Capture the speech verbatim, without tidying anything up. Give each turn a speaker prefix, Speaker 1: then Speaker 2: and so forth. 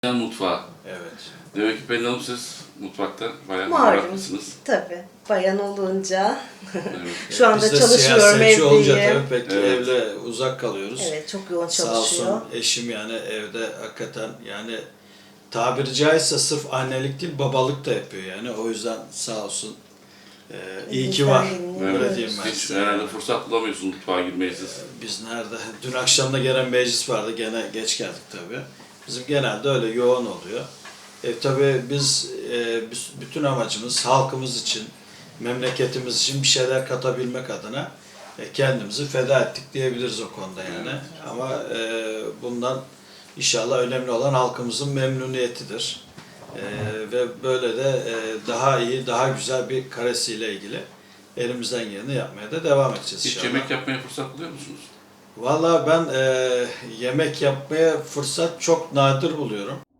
Speaker 1: Yan mutfağı.
Speaker 2: Evet.
Speaker 1: Demek ki Pelin Hanım siz mutfakta bayağı
Speaker 3: Malum.
Speaker 1: meraklısınız.
Speaker 3: Tabii. Bayan olunca
Speaker 1: Evet.
Speaker 3: şu anda
Speaker 2: Biz de
Speaker 3: çalışıyorum,
Speaker 2: siyasetçi olunca
Speaker 3: evliyim.
Speaker 2: tabii pek
Speaker 1: Evet.
Speaker 2: evle uzak kalıyoruz.
Speaker 3: Evet, çok yoğun
Speaker 2: Sağ
Speaker 3: çalışıyor.
Speaker 2: olsun eşim yani evde hakikaten yani tabiri caizse sırf annelik değil babalık da yapıyor yani. O yüzden sağ olsun. Ee, iyi ki var.
Speaker 3: Elimizden
Speaker 2: Öyle
Speaker 1: Evet.
Speaker 2: diyeyim ben
Speaker 1: Hiç
Speaker 2: size.
Speaker 1: herhalde fırsat bulamıyorsun mutfağa girmeyi siz.
Speaker 2: Biz nerede? Dün akşam da gelen meclis vardı. Gene geç geldik tabii. Bizim genelde öyle yoğun oluyor. E, tabii biz, e, biz bütün amacımız halkımız için, memleketimiz için bir şeyler katabilmek adına e, kendimizi feda ettik diyebiliriz o konuda yani.
Speaker 1: Evet.
Speaker 2: Ama e, bundan inşallah önemli olan halkımızın memnuniyetidir. E, ve böyle de e, daha iyi, daha güzel bir karesiyle ilgili elimizden geleni yapmaya da devam edeceğiz
Speaker 1: Hiç
Speaker 2: inşallah.
Speaker 1: yemek yapmaya fırsat buluyor musunuz?
Speaker 2: Valla ben e, yemek yapmaya fırsat çok nadir buluyorum.